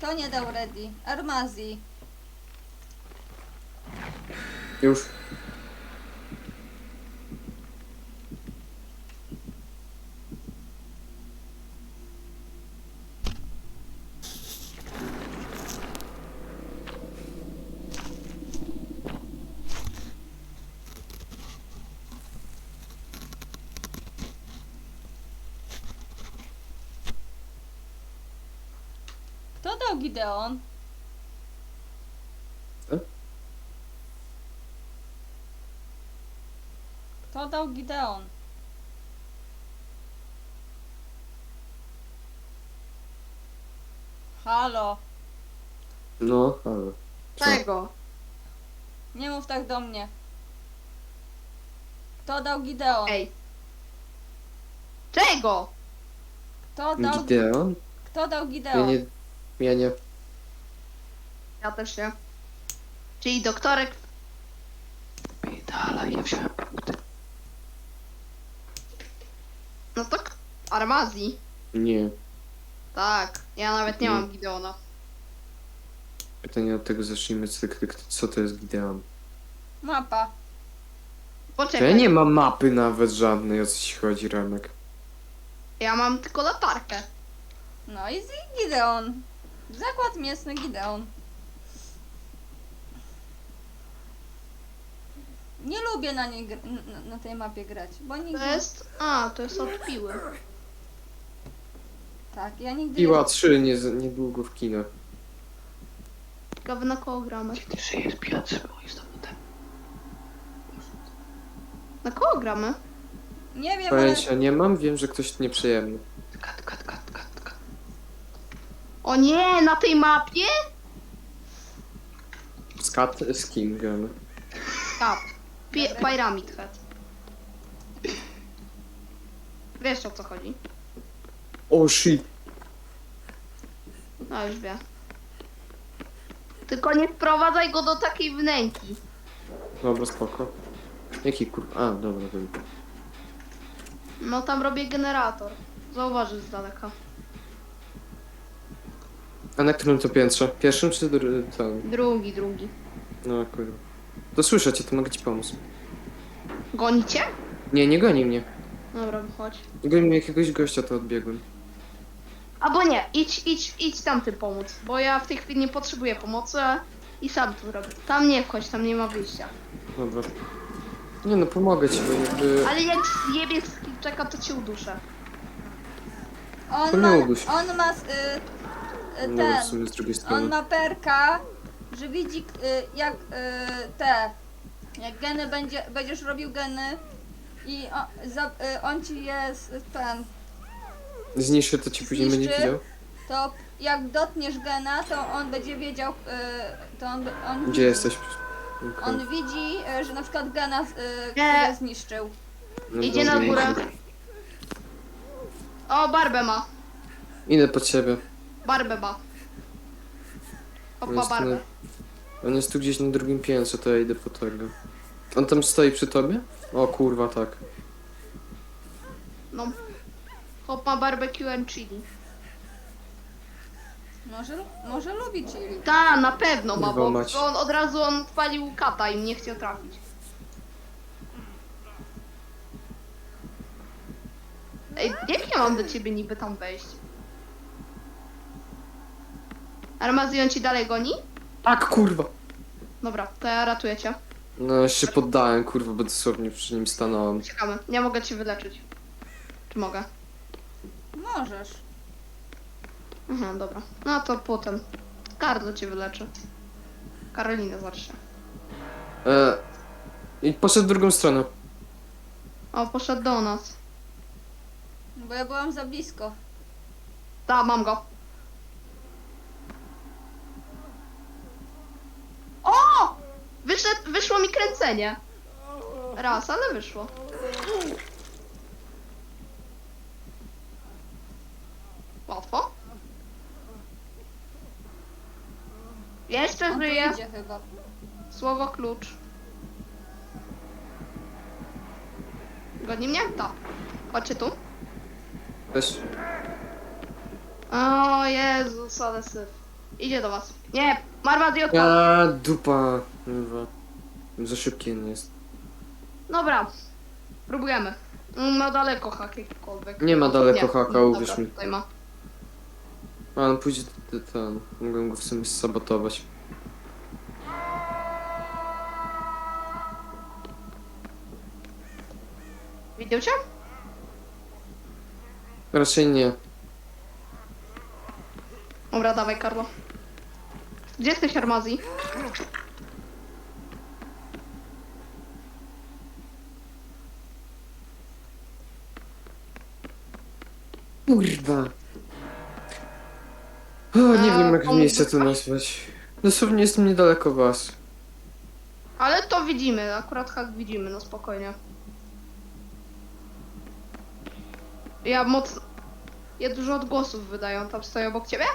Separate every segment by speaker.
Speaker 1: Kto nie dał ready? Armazji.
Speaker 2: Już.
Speaker 1: Kto dał Gideon?
Speaker 2: Co?
Speaker 1: Kto dał Gideon? Halo.
Speaker 2: No, ale. Co?
Speaker 3: Czego?
Speaker 1: Nie mów tak do mnie. Kto dał Gideon?
Speaker 3: Ej. Czego?
Speaker 1: Kto dał,
Speaker 2: Gideon?
Speaker 1: kto dał
Speaker 2: Ja
Speaker 1: Gideon?
Speaker 2: nie... Ja nie...
Speaker 3: Ja też nie. Czyli doktorek.
Speaker 4: Dalej, ja wziąłem punkty.
Speaker 3: No to Armazji.
Speaker 2: Nie.
Speaker 3: Tak. Ja nawet nie
Speaker 2: Nie.
Speaker 3: mam Gideona.
Speaker 2: Pytanie od tego zacznijmy. Co to jest Gideon?
Speaker 1: Mapa.
Speaker 2: To
Speaker 3: Poczekaj.
Speaker 2: ja nie mam mapy nawet żadnej, o co ci chodzi, Remek.
Speaker 3: Ja mam tylko latarkę.
Speaker 1: No i Gideon. Zakład mięsny Gideon. Nie lubię na niej na tej mapie grać, bo nigdy...
Speaker 3: To jest. A, to jest od piły.
Speaker 1: Tak, ja nigdy
Speaker 2: Piła 3 niedługo w kinach.
Speaker 3: Ciekawe na kogo gramy.
Speaker 4: Ty żyjesz, Piotrze, bo jestem na tym.
Speaker 3: Na kogo gramy?
Speaker 1: Nie wiem, ale...
Speaker 2: Pojęcia nie mam, wiem, że ktoś nieprzyjemny.
Speaker 4: Kat.
Speaker 3: O nie, na tej mapie?
Speaker 2: Z kim gramy?
Speaker 3: Kap. Pyramid Head. Wiesz o co chodzi?
Speaker 2: O shit.
Speaker 3: No już wie. Tylko nie wprowadzaj go do takiej wnęki.
Speaker 2: Dobra, spoko. Jaki kurwa? A, dobra.
Speaker 3: No tam robię generator. Zauważysz z daleka.
Speaker 2: A na którym to piętrze? Pierwszym czy tam?
Speaker 3: Drugi.
Speaker 2: No kurwa. To słyszę cię, to mogę ci pomóc.
Speaker 3: Gonicie?
Speaker 2: Nie goni mnie.
Speaker 3: Dobra, chodź.
Speaker 2: Goni mnie jakiegoś gościa, to odbiegłem.
Speaker 3: Albo nie, idź tamtym pomóc. Bo ja w tej chwili nie potrzebuję pomocy i sam to robię. Tam nie wchodź, tam nie ma wyjścia.
Speaker 2: Dobra. Nie no, pomogę ci, bo jakby...
Speaker 3: Ale jak zjebie z czeka, to cię uduszę.
Speaker 2: To nie uduś.
Speaker 1: On ma
Speaker 2: No, w
Speaker 1: ten...
Speaker 2: sumie z drugiej
Speaker 1: On
Speaker 2: strony.
Speaker 1: ma perka, że widzi jak jak geny będziesz robił geny i on ci jest ten,
Speaker 2: Zniszczy, to ci później będzie
Speaker 1: zniszczy.
Speaker 2: widział?
Speaker 1: to jak dotkniesz gena, to on będzie wiedział, to on
Speaker 2: Gdzie
Speaker 1: widzi.
Speaker 2: jesteś? Okej.
Speaker 1: On widzi, że na przykład gena
Speaker 3: Nie.
Speaker 1: który zniszczył.
Speaker 2: No
Speaker 3: Idzie na
Speaker 2: dobra,
Speaker 3: górę.
Speaker 2: idzie.
Speaker 3: O, barbę ma.
Speaker 2: Idę pod ciebie.
Speaker 3: Barbę ma.
Speaker 2: On
Speaker 3: Opa,
Speaker 2: jest,
Speaker 3: barbę.
Speaker 2: on jest tu gdzieś na drugim piętrze, to ja idę po tego. On tam stoi przy tobie? O kurwa, tak.
Speaker 3: No. Hop ma barbecue and chili.
Speaker 1: Może lubi chili.
Speaker 3: Ta, na pewno ma,
Speaker 2: Kurwa
Speaker 3: bo
Speaker 2: mać.
Speaker 3: on od razu odpalił kata i nie chciał trafić. Ej, jak ja mam do ciebie niby tam wejść? Armazjon ci dalej goni?
Speaker 2: Tak, kurwa!
Speaker 3: Dobra, to ja ratuję cię.
Speaker 2: No, ja się poddałem, kurwa, bo dosłownie przy nim stanąłem.
Speaker 3: Czekamy, nie mogę cię wyleczyć. Czy mogę?
Speaker 1: Możesz.
Speaker 3: Aha, dobra. No to potem. Karlo cię wyleczy. Karolina zawsze.
Speaker 2: I poszedł w drugą stronę.
Speaker 3: O, poszedł do nas.
Speaker 1: Bo ja byłam za blisko.
Speaker 3: Ta, mam go. O! Wyszło mi kręcenie. Raz, ale wyszło. Łatwo. Jeszcze
Speaker 1: On tu
Speaker 3: żyje.
Speaker 1: idzie chyba.
Speaker 3: Słowo klucz. Godzi mnie? Tak. Chodźcie tu.
Speaker 2: Też.
Speaker 3: O Jezus, ale syf. Idzie do was. Nie, Marmadi odpadł.
Speaker 2: A dupa. Kurwa. Za szybki on jest.
Speaker 3: Dobra, próbujemy. Ma daleko hak jakikolwiek.
Speaker 2: Nie ma daleko haka,
Speaker 3: dobra,
Speaker 2: uwierz mi.
Speaker 3: Tutaj ma.
Speaker 2: A on pójdzie ten. Mogę go w sumie sabotować.
Speaker 3: Widział cię?
Speaker 2: Raczej nie.
Speaker 3: Dobra, dawaj Karlo. Gdzie jesteś, Armazji?
Speaker 2: Kurwa. O, nie wiem jak
Speaker 3: on-
Speaker 2: miejsce tu nazwać. Dosłownie jestem niedaleko was.
Speaker 3: Ale to widzimy, akurat hak widzimy, no spokojnie. Ja mocno... Ja dużo odgłosów wydają, tam stoję obok ciebie?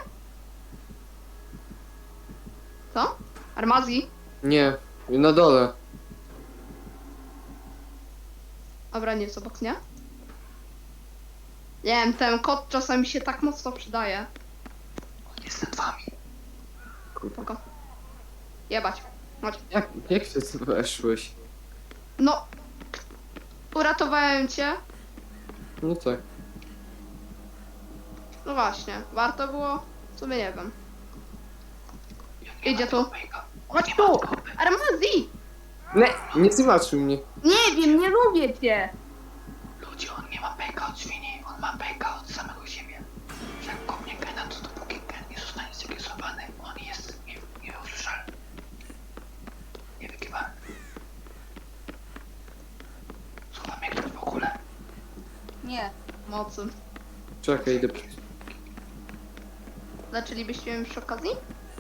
Speaker 3: Co? Armazji?
Speaker 2: Nie, na dole.
Speaker 3: Dobra, nie jest obok, nie? Nie wiem, ten kod czasami się tak mocno przydaje.
Speaker 4: On jest nad wami.
Speaker 2: Kurwa.
Speaker 3: Spoko. Jebać. Chodź.
Speaker 2: Jak ty tu weszłeś?
Speaker 3: No. Uratowałem cię.
Speaker 2: No tak.
Speaker 3: No właśnie, warto było? W sumie nie wiem.
Speaker 4: Nie
Speaker 3: Idzie
Speaker 4: ma
Speaker 3: tu.
Speaker 4: tego pejka.
Speaker 3: Chodź
Speaker 4: Nie
Speaker 3: tu!
Speaker 4: ma tego pejka.
Speaker 3: Armazji!
Speaker 2: Nie zobaczył mnie.
Speaker 3: Nie wiem, nie lubię cię!
Speaker 4: Ludzie, on nie ma pejka od świni. On ma pejka od samego siebie. Że jak kopnie gena, to dopóki gen nie zostanie zregistrowany, on jest nieusłyszalny. Niewykiwalny. Słucha mnie ktoś w ogóle?
Speaker 1: Nie.
Speaker 3: Mocy.
Speaker 2: Czekaj, idę.
Speaker 3: Zaczęlibyście mnie przy okazji?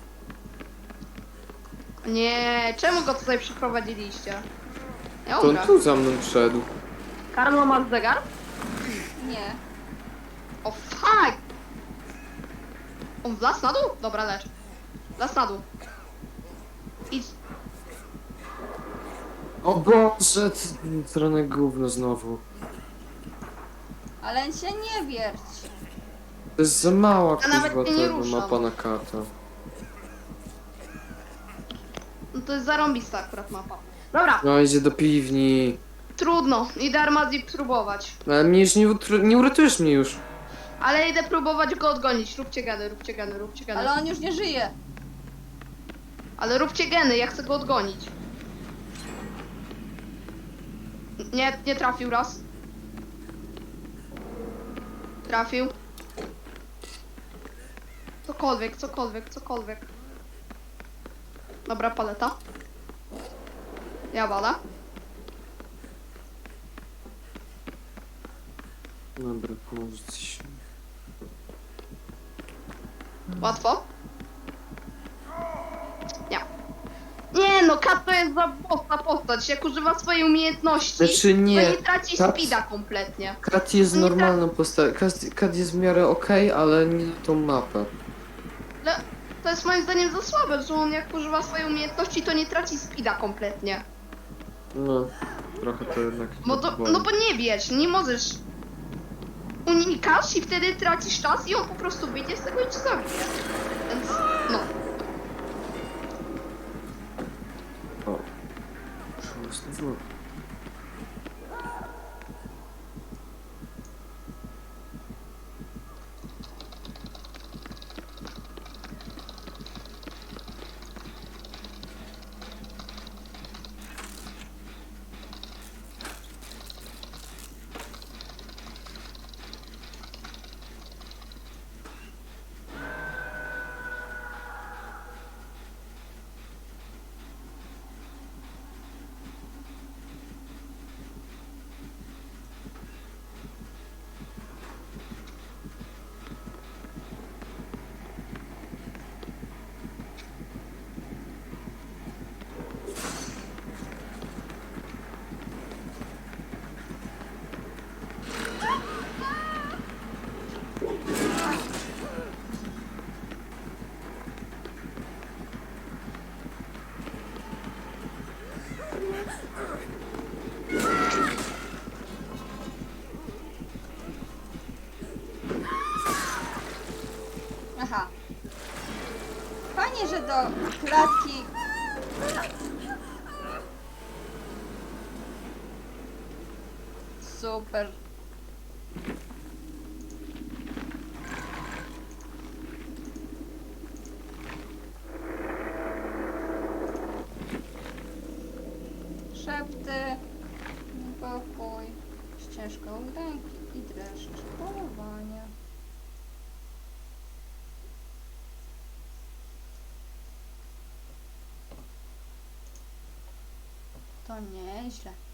Speaker 3: Nie, czemu go tutaj przyprowadziliście? Ja
Speaker 2: To on
Speaker 3: umrę.
Speaker 2: tu za mną wszedł.
Speaker 3: Karlo, masz zegar?
Speaker 1: Nie.
Speaker 3: O fuck! On wlazł na dół? Dobra, lecz. Wlazł na dół. Idź.
Speaker 2: O Boże, stronę gówno znowu.
Speaker 1: Ale się nie wierć.
Speaker 2: To jest za mała
Speaker 3: Ja nawet
Speaker 2: kurwa
Speaker 3: się nie
Speaker 2: tego
Speaker 3: ruszam.
Speaker 2: mapa na kartę.
Speaker 3: No to jest zarąbista akurat mapa. Dobra,
Speaker 2: No idzie do piwni.
Speaker 3: trudno. Idę Armazji próbować.
Speaker 2: Ale mnie już nie uratujesz mnie już.
Speaker 3: Ale idę próbować go odgonić. Róbcie geny, róbcie geny, róbcie geny.
Speaker 1: Ale on już nie żyje.
Speaker 3: Ale róbcie geny, ja chcę go odgonić. Nie, nie trafił raz. Trafił. Cokolwiek, cokolwiek, cokolwiek. Dobra, paleta. Ja walę.
Speaker 2: Dobra, może coś.
Speaker 3: Łatwo. Nie. Nie no, Kat to jest za mocna postać. Jak używa swojej umiejętności,
Speaker 2: Znaczy nie.
Speaker 3: to nie traci
Speaker 2: Kat-
Speaker 3: speeda kompletnie.
Speaker 2: Kat jest
Speaker 3: Nie
Speaker 2: normalną postacią. Kat jest w miarę okej, ale nie na tą mapę.
Speaker 3: Ale to jest moim zdaniem za słabe, że on jak używa swojej umiejętności, to nie traci speeda kompletnie.
Speaker 2: No, trochę to jednak.
Speaker 3: No bo nie wiesz, nie możesz. Unikasz i wtedy tracisz czas i on po prostu wyjdzie z tego i cię zabije. Więc no.
Speaker 2: O. Znowu.
Speaker 1: Fajnie, że do klatki... Super. Szepty, pokój, ścieżka udręki i dreszcz polowania. To nieźle.